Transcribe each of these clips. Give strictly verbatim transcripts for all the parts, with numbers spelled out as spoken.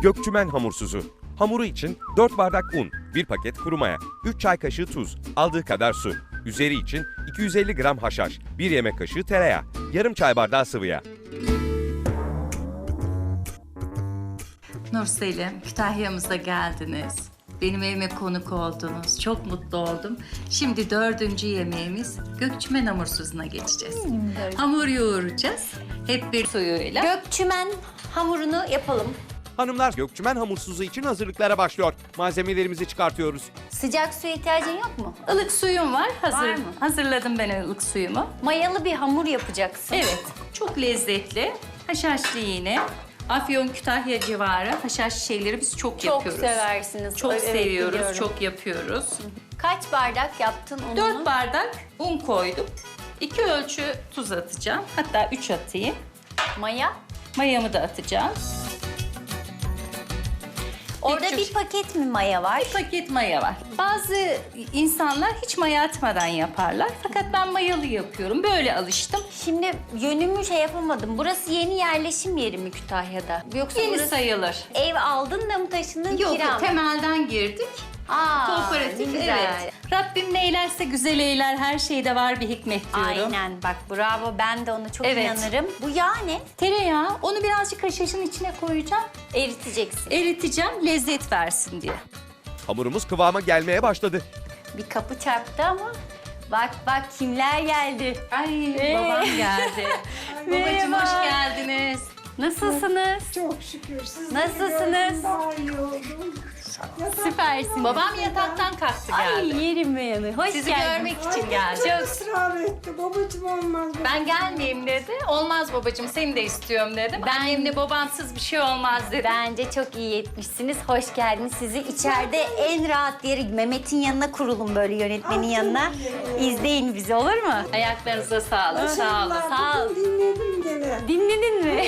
Gökçümen hamursuzu. Hamuru için dört bardak un, bir paket kuru maya, üç çay kaşığı tuz, aldığı kadar su. Üzeri için iki yüz elli gram haşhaş, bir yemek kaşığı tereyağı, yarım çay bardağı sıvı yağ. Nurselim, Kütahya'mıza geldiniz. Benim evime konuk oldunuz. Çok mutlu oldum. Şimdi dördüncü yemeğimiz Gökçümen hamursuzuna geçeceğiz. Hamur yoğuracağız. Hep bir suyuyla. Gökçümen hamurunu yapalım. Hanımlar, Gökçümen hamursuzu için hazırlıklara başlıyor. Malzemelerimizi çıkartıyoruz. Sıcak suya ihtiyacın yok mu? Ilık suyum var. Hazır. Var mı? Hazırladım ben ılık suyumu. Mayalı bir hamur yapacaksın. Evet, çok lezzetli. Haşhaşlı yine. Afyon, Kütahya civarı haşhaş şeyleri biz çok, Çok yapıyoruz. seversiniz. Çok Evet, seviyoruz, biliyorum. çok yapıyoruz. Kaç bardak yaptın ununu? Dört bardak un koydum. İki ölçü tuz atacağım. Hatta üç atayım. Maya. Mayamı da atacağım. Orada İlk bir üç- paket mi maya var? Bir paket maya var. Bazı insanlar hiç maya atmadan yaparlar. Fakat ben mayalı yapıyorum. Böyle alıştım. Şimdi yönümü şey yapamadım. Burası yeni yerleşim yeri mi Kütahya'da? Yoksa Yeni burası sayılır. ev aldın da mı taşındın, Yok, kira mı? temelden girdik. Aa, Kooperatif, ne güzel. evet. Rabbim ne eylerse güzel eyler, her şeyde var bir hikmet diyorum. Aynen, bak bravo, ben de ona çok Evet. inanırım. Bu yağ ne? Tereyağı, onu birazcık haşhaşın içine koyacağım. Eriteceksin. Eriteceğim, lezzet versin diye. Hamurumuz kıvama gelmeye başladı. Bir kapı çarptı ama bak bak kimler geldi. Ay, Ee? babam geldi. Babacığım hoş geldiniz. Nasılsınız? Çok şükür. Siz Nasılsınız? daha iyi oldum. Süpersiniz. Babam yataktan kalktı Ay geldi. yerim beyanı. Hoş Sizi geldin. görmek için geldi. Çok ısrar etti. Babacığım olmaz. Ben gelmeyeyim dedi. Olmaz babacığım, seni de istiyorum dedim. Ben... Annemle babamsız bir şey olmaz dedi. Bence çok iyi etmişsiniz. Hoş geldiniz. Sizi içeride en rahat yeri Mehmet'in yanına kurulun, böyle yönetmenin yanına. İzleyin bizi, olur mu? Ayaklarınıza sağlık. Sağ olun. Sağ ol. Bugün dinledim gene. Dinledin mi?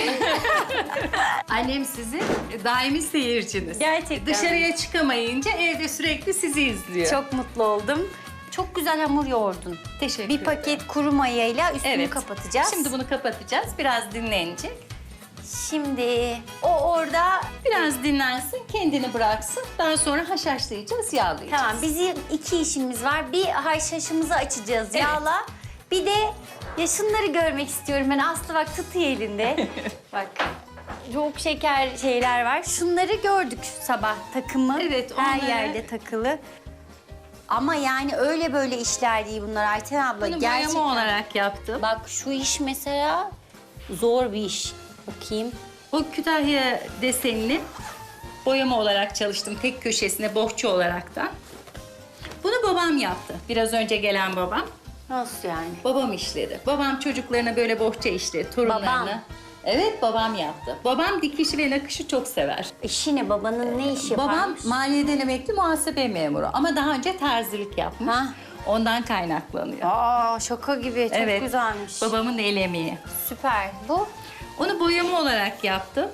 Annem sizin daimi seyirciniz. Gerçekten. Dışarıya çıkamayınca evde sürekli sizi izliyor. Çok mutlu oldum. Çok güzel hamur yoğurdun. teşekkür Bir ederim. paket kuru mayayla üstünü Evet. kapatacağız. Şimdi bunu kapatacağız. Biraz dinlenecek. Şimdi o orada, Biraz dinlensin, kendini bıraksın. Daha sonra haşhaşlayacağız, yağlayacağız. tamam, bizim iki işimiz var. Bir haşhaşımızı açacağız Evet. yağla. Bir de ya şunları görmek istiyorum ben. Aslı bak, tutuyor elinde. Bak. Çok şeker şeyler var. Şunları gördük sabah, takımı. Evet, Her onları- yerde takılı. Ama yani öyle böyle işler değil bunlar Ayten abla. Bunu Gerçekten. boyama olarak yaptım. Bak şu iş mesela zor bir iş. Bakayım. Bu Kütahya desenini boyama olarak çalıştım. Tek köşesine bohça olaraktan. Bunu babam yaptı. Biraz önce gelen babam. Nasıl yani? Babam işledi. Babam çocuklarına böyle bohça işledi, torunlarına. Babam. Evet, babam yaptı. Babam dikişi ve nakışı çok sever. İşi ne? Babanın ne işi Babam yaparmış? maliyeden emekli muhasebe memuru ama daha önce terzilik yapmış. Ha. Ondan kaynaklanıyor. Aa, şaka gibi. Çok evet. güzelmiş. Babamın el emeği. Süper. Bu? Onu boyama olarak yaptım.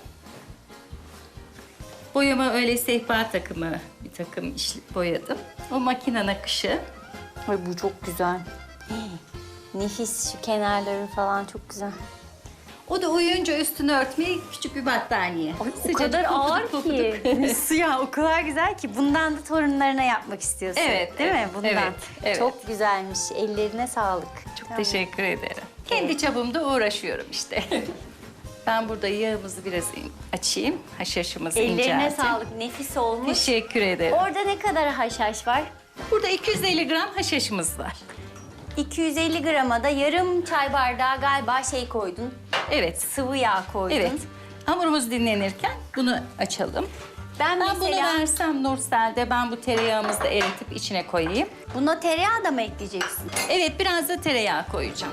Boyama öyle sehpa takımı bir takım iş boyadım. O makine nakışı. Ay bu çok güzel. Hii, nefis, şu kenarları falan çok güzel. O da uyuyunca üstünü örtmeye küçük bir battaniye. Ay, o Sıcacık, kadar pofuduk ağır pofuduk. ki. Suya o kadar güzel ki. Bundan da torunlarına yapmak istiyorsun. Evet, Değil mi? evet, Bundan. evet, evet. Çok güzelmiş. Ellerine sağlık. Çok teşekkür ederim. Kendi çapımda uğraşıyorum işte. Ben burada yağımızı biraz açayım. Haşhaşımızı Ellerine incelteyim. sağlık. Nefis olmuş. Teşekkür ederim. Orada ne kadar haşhaş var? Burada iki yüz elli gram haşhaşımız var. iki yüz elli grama da yarım çay bardağı galiba şey koydun. Evet. Sıvı yağ koydun. Evet. Hamurumuz dinlenirken bunu açalım. Ben, Ben mesela bunu versem Nursel'de ben bu tereyağımızı da eritip içine koyayım. buna tereyağı da mı ekleyeceksin? Evet, biraz da tereyağı koyacağım.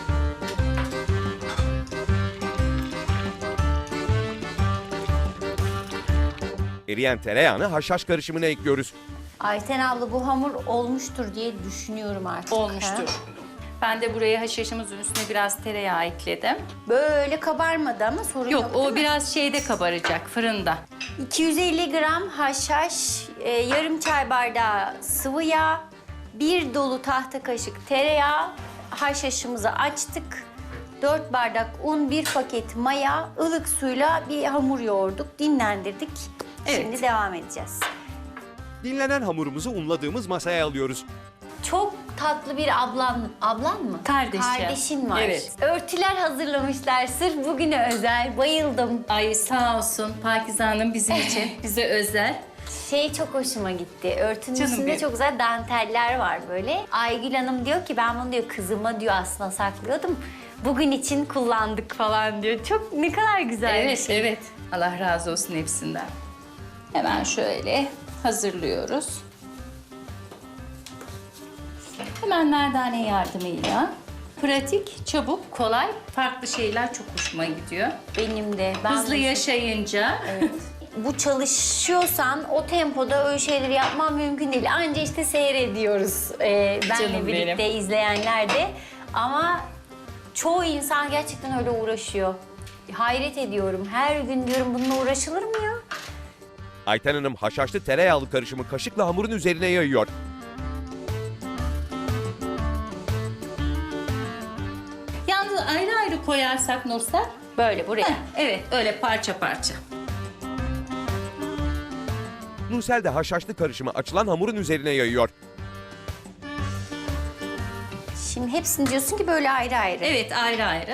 Eriyen tereyağını haşhaş karışımına ekliyoruz. Ayten abla bu hamur olmuştur diye düşünüyorum artık. Olmuştur. Ha? Ben de buraya haşhaşımızın üstüne biraz tereyağı ekledim. Böyle kabarmadı ama sorun yok, Yok, değil o mi? biraz şeyde kabaracak, fırında. iki yüz elli gram haşhaş, e, yarım çay bardağı sıvı yağ, bir dolu tahta kaşık tereyağı. Haşhaşımızı açtık. dört bardak un, bir paket maya, ılık suyla bir hamur yoğurduk, dinlendirdik. Evet. Şimdi devam edeceğiz. Dinlenen hamurumuzu unladığımız masaya alıyoruz. Çok tatlı bir ablan, ablan mı? Kardeşim. Kardeşin var. Evet. Örtüler hazırlamışlar sırf bugüne özel. Bayıldım. Ay sağ olsun Pakize Hanım bizim için, bize özel. Şey çok hoşuma gitti. Örtünün Canım üstünde benim. çok güzel danteller var böyle. Aygül Hanım diyor ki ben bunu diyor kızıma diyor aslında saklıyordum. Bugün için kullandık falan diyor. Çok ne kadar güzel bir Evet, şey. evet. Allah razı olsun hepsinden. Hemen şöyle hazırlıyoruz. Hemen nerdane yardımıyla. Pratik, çabuk, kolay, farklı şeyler çok hoşuma gidiyor. Benim de. Ben Hızlı de- yaşayınca Bu çalışıyorsan o tempoda öyle şeyleri yapman mümkün değil. Anca işte seyrediyoruz ee, benle Canım birlikte benim. izleyenler de. Ama çoğu insan gerçekten öyle uğraşıyor. Hayret ediyorum. Her gün diyorum bununla uğraşılır mı ya? Ayten Hanım haşhaşlı tereyağlı karışımı kaşıkla hamurun üzerine yayıyor. yalnız ayrı ayrı koyarsak Nursel. Böyle buraya. Heh, evet, öyle parça parça. Nursel de haşhaşlı karışımı açılan hamurun üzerine yayıyor. Şimdi hepsini diyorsun ki böyle ayrı ayrı. Evet, ayrı ayrı.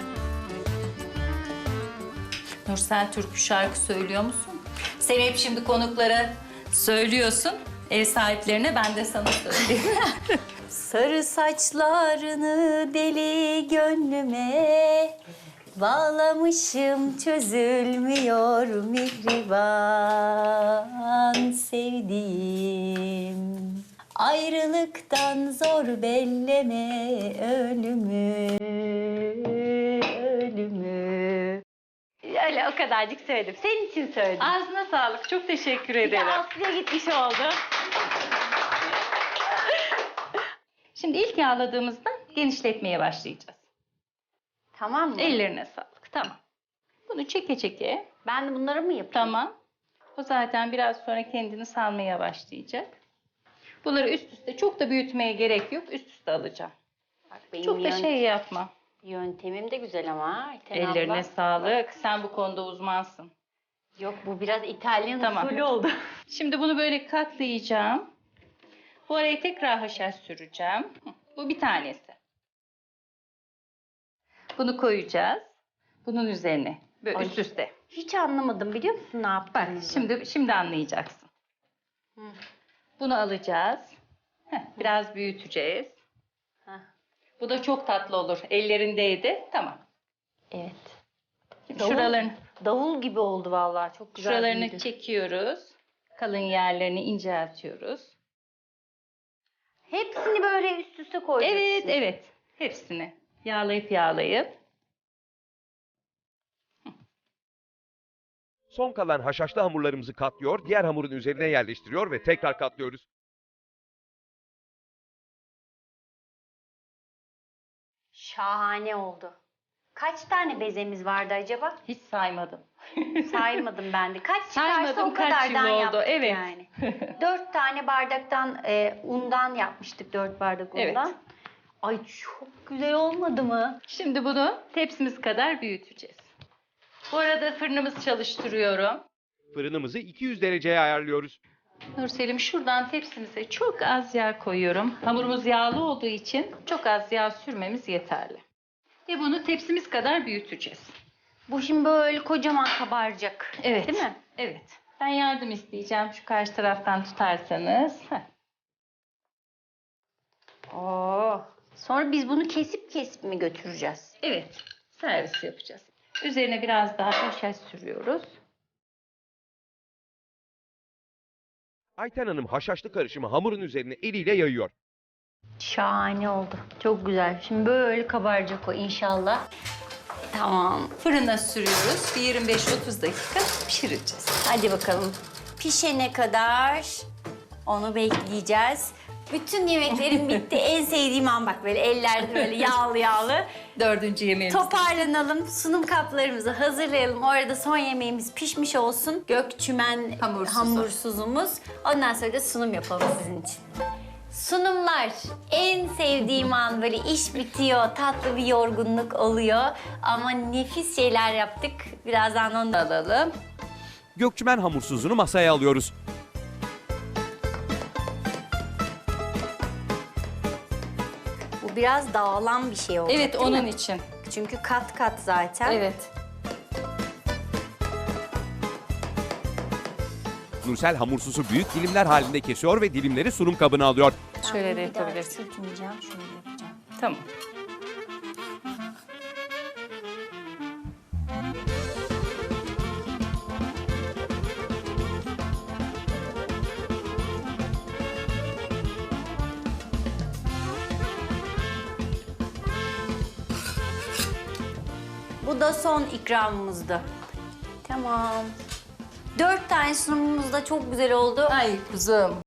Nursel türkü şarkı söylüyor musun? Sen hep şimdi konuklara söylüyorsun. Ev sahiplerine ben de sana söyleyeyim. Sarı saçlarını deli gönlüme bağlamışım çözülmüyor mihriban sevdiğim. Ayrılıktan zor belleme ölümü, ölümü. Öyle o kadarcık söyledim. Senin için söyledim. Ağzına sağlık. Çok teşekkür Bir de ederim. Aslı'ya gitmiş oldu. Şimdi ilk yağladığımızda genişletmeye başlayacağız. Tamam mı? Ellerine sağlık. Tamam. Bunu çeke çeke. Ben de bunları mı yapayım? Tamam. O zaten biraz sonra kendini salmaya başlayacak. Bunları üst üste çok da büyütmeye gerek yok. Üst üste alacağım. Bak, benim Çok da yön- şey yapma. Yöntemim de güzel ama. Ayten Ellerine abla. sağlık. Sen bu konuda uzmansın. Yok bu biraz İtalyan Tamam. usulü oldu. Şimdi bunu böyle katlayacağım. Bu araya tekrar haşhaş süreceğim. Hı, bu bir tanesi. Bunu koyacağız. Bunun üzerine. Böyle Ay. üst üste. Hiç anlamadım biliyor musun ne Bak yaptığımızı? şimdi şimdi anlayacaksın. Hı. Bunu alacağız. Heh, biraz büyüteceğiz. Heh, Bu da çok tatlı olur. Ellerindeydi. Tamam. evet. Şimdi Davul- şuralarını, Davul gibi oldu vallahi çok güzel. şuralarını büyüdü. çekiyoruz. Kalın yerlerini inceltiyoruz. Hepsini böyle üst üste koyacaksın. Evet, evet. Hepsini yağlayıp yağlayıp. Son kalan haşhaşlı hamurlarımızı katlıyor, diğer hamurun üzerine yerleştiriyor ve tekrar katlıyoruz. Şahane oldu. Kaç tane bezemiz vardı acaba? Hiç saymadım. Saymadım ben de. Kaç çıkarsa Saymadım, o kaç kadardan yıl oldu, yaptık evet. yani. Dört tane bardaktan e, undan yapmıştık. Dört bardak Evet. undan. Ay çok güzel olmadı mı? Şimdi bunu tepsimiz kadar büyüteceğiz. Bu arada fırınımızı çalıştırıyorum. Fırınımızı iki yüz dereceye ayarlıyoruz. Nurselim şuradan tepsimize çok az yağ koyuyorum. Hamurumuz yağlı olduğu için çok az yağ sürmemiz yeterli. Ve bunu tepsimiz kadar büyüteceğiz. Bu şimdi böyle kocaman kabaracak. Evet. Değil mi? Evet. Ben yardım isteyeceğim. Şu karşı taraftan tutarsanız. Heh. Oo. Sonra biz bunu kesip kesip mi götüreceğiz? Evet. Servis yapacağız. Üzerine biraz daha haşhaş sürüyoruz. Ayten Hanım haşhaşlı karışımı hamurun üzerine eliyle yayıyor. Şahane oldu. Çok güzel. Şimdi böyle kabaracak o inşallah. Tamam. Fırına sürüyoruz. Bir yirmi beş otuz dakika pişireceğiz. Hadi bakalım. Pişene kadar onu bekleyeceğiz. Bütün yemeklerim bitti. En sevdiğim an bak böyle eller böyle yağlı yağlı. Dördüncü yemeğimiz. Toparlanalım. Sunum kaplarımızı hazırlayalım. Orada son yemeğimiz pişmiş olsun. Gökçümen Hamursuzu. hamursuzumuz. Ondan sonra da sunum yapalım sizin için. Sunumlar. En sevdiğim an, böyle iş bitiyor, tatlı bir yorgunluk oluyor. Ama nefis şeyler yaptık. Birazdan onu da alalım. Gökçümen hamursuzunu masaya alıyoruz. Bu biraz dağılan bir şey oldu. Evet, değil onun mi? için. Çünkü kat kat zaten. Evet. Nursel hamursuzu büyük dilimler halinde kesiyor ve dilimleri sunum kabına alıyor. Ben Şöyle bunu de bir daha yapabilirsin. küçültmeyeceğim, şöyle yapacağım. Tamam. Bu da son ikramımızdı. Tamam. Dört tane sunumumuz da çok güzel oldu. Ay kuzum.